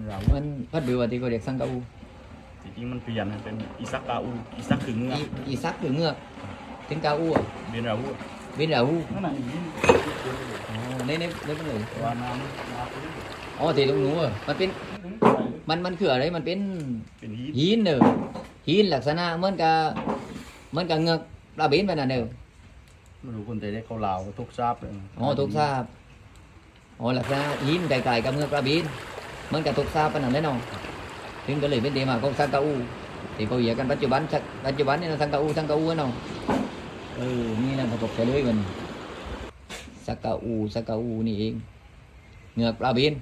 เรามันพัดเบือที่เขาเรียกสังกะอูจริงๆมันเปลี่ยนเป็นอิซักกาอูอิซักคือเงือกอีซักคือเงือกถึงกาอูอ่ะเบียนเราอูเวนดาอูนั่นน่ะอย่างนี้อ๋อในเป็นเลยว่าน้ำอ๋อที่ตรงนู้นอ่ะมันเป็นมันคืออะไรมันเป็นเป็นฮีทหินเนอะหินลักษณะเหมือนกับเงือกปลาเบนไปนั่นเนอะไม่รู้คนแต่ได้เขาลาวทุกทราบเลยอ๋อทุกทราบอ๋อลักษณะหินไกลๆกับเงือกปลาเบนเหมือนกับทุกทราบไปนั่นแหละเนาะถึงก็เลยเป็นเดมาของสังกะอูที่เขาเหยียกันปัจจุบันนี่นะสังกะอูเนาะนี่นะประกบไปเลยมันสังกะอูนี่เองเงือกปลาเบน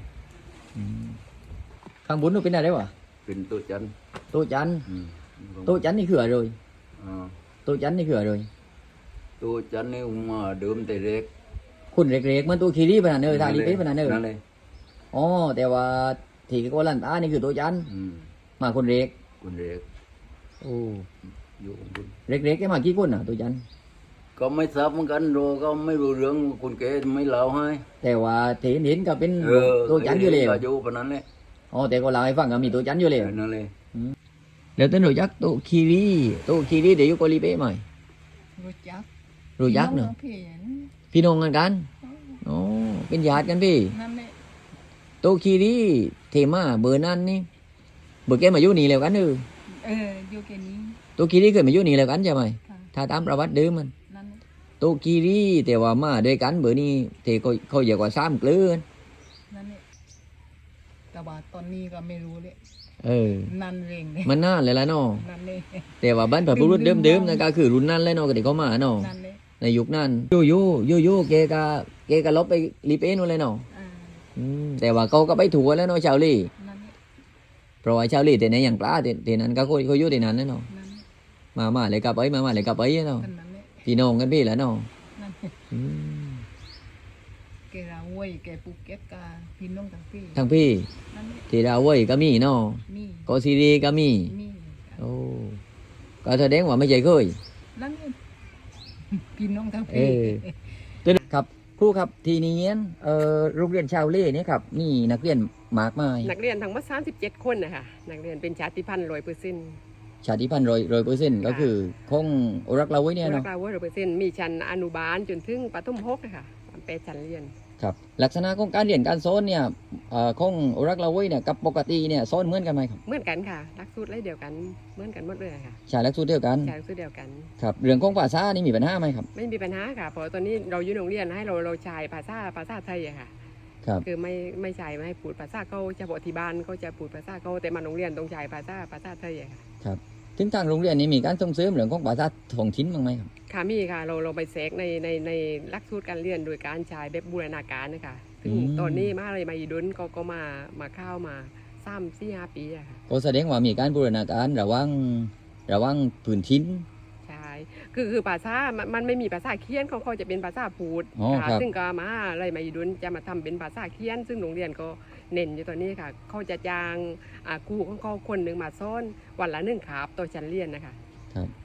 ข้างบนnóเป็นอะไรวะเป็นตัวจันโต๊ะจันโต๊ะจันนี่คืออะไรrồi อ่าโต๊ะจันนี่คืออะไรrồi ตัวจันนี่มาเดิมแต่เล็กคุณเล็กๆเหมันตัวคีรีปะนั่นเนอะทาลีเป๊ะปะนั่นเนอะนั่นเลยอ๋อแต่ว่าที่ก็ลันตานี่คือโต๊ะจันมาคนเล็กคนเล็กโอ้อยู่ของคุณเล็กๆแค่มากี่คนอ่ะโต๊ะจันก็ไม่ทราบเหมือนกันโรก็ไม่รู้เรื่องคนแก่ไม่เล่าให้แต่ว่าที่เห็นก็เป็นโต๊ะจันอยู่แล้วก็อยู่ปานนั้นเลยอ๋อแต่ก็เล่าให้ฟังก็มีโต๊ะจันอยู่แล้วนั่นเลยแล้วต้นรู้จักโต๊ะคีรีเดี๋ยวอยู่เกาหลีเป๊ะไหมรู้จักรู้จักเนอะพี่เห็นพี่น้องกันอ๋อเป็นญาติกันพี่นั่นแหละโต๊ะคีรีเทมาเบอร์นั้นนี่เบอร์แกมาอยู่นี่แล้วกันเนอะอยู่แค่นี้โต๊ะคีรีเคยมาอยู่นี่แล้วกันใช่ไหมค่ะถ้าตามประวัติเดิมมันนั่นแหละโตกีรีแต่ว่ามาด้วยกันเบอร์นี้ที่เขาเรียกว่า3 เกลือนั่นแหละแต่ว่าตอนนี้ก็ไม่รู้เลยนั่นเองเลยมันนานเลยละเนาะนั่นเลยแต่ว่าบรรพบุรุษเดิมๆนั่นก็คือรุ่นนั้นเลยเนาะก็ที่เขามาเนาะนั่นเลยในยุคนั้นโยแกก็ลบไปรีเป้นู่นเลยเนาะอ่าแต่ว่าเขาก็ไปถูกแล้วเนาะชาวลี่นั่นแหละเพราะว่าชาวลี่แต่ในอย่างปลาแต่นั้นก็เขาอยู่ที่นั้นเนาะนั่นแหละมาเลยกับไอ้มาเลยกับไอ้เนาะกันนั่นแหละพี่น้องกันพี่แหละเนาะนั่นแหละอืมแกราเว้ยแกภูเก็ตกาพี่น้องทั้งพี่ทั้งพี่นั่นแหละที่ดาวเว้ยก็มีเนาะมีโกซีรีก็มีมีโอ้ก็แสดงว่าไม่ใช่เคยนั่นแหละพี่น้องทั้งเอพี่อครับครูครับทีนี้โรงเรียนชาวเล่เนี่ยครับนี่นักเรียนมากมายนักเรียนทั้งหมด37 คนนะคะนักเรียนเป็นชาติพันธุ์100% ชาติพันธุ์100%ก็คือคงอรักเราไว้เนี่ยรัเนาะกเรา100%มีชั้นอนุบาลจนถึงประถม6นะคะ8ชั้นเรียนครับลักษณะของการเรียนการสอนเนี่ยคงอรักเราไว้เนี่ยกับปกติเนี่ยสอนเหมือนกันไหมครับเหมือนกันค่ะหลักสูตรเดียวกันเหมือนกันหมดเลยค่ะใช่หลักสูตรเดียวกันใช่หลักสูตรเดียวกันครับเรื่องของภาษานี่มีปัญหาไหมครับไม่มีปัญหาค่ะเพราะตอนนี้เราอยู่โรงเรียนให้เราใช้ภาษาไทยอะค่ะครับคือไม่ใช่ไม่ให้พูดภาษาเขาจะบอกที่บ้านเขาจะพูดภาษาเขาแต่มาโรงเรียนต้องใช้ภาษาไทยอะค่ะครับถึงทางโรงเรียนนี้มีการส่งเสริมเรื่องของภาษาท้องถิ่นบ้างไหมครับค่ะมีค่ะเราไปแทรกในหลักสูตรการเรียนโดยการใช้แบบบูรณาการนะคะซึ่งตอนนี้มาเลยมาอีดุนก็มาเข้ามา3-4-5 ปีอะค่ะก็แสดงว่ามีการบูรณาการระหว่างพื้นถิ่นใช่คือภาษามันไม่มีภาษาเขียนเขาจะเป็นภาษาพูดอ๋อค่ะครับซึ่งก็มาเลยมาอีดุนจะมาทำเป็นภาษาเขียน ซึ่งโรงเรียนก็เน้นอยู่ตอนนี้ค่ะเขาจะจ้างครูของเขาคนหนึ่งมาสอนวันละ1 คาบต่อชั้นเรียนนะคะครับ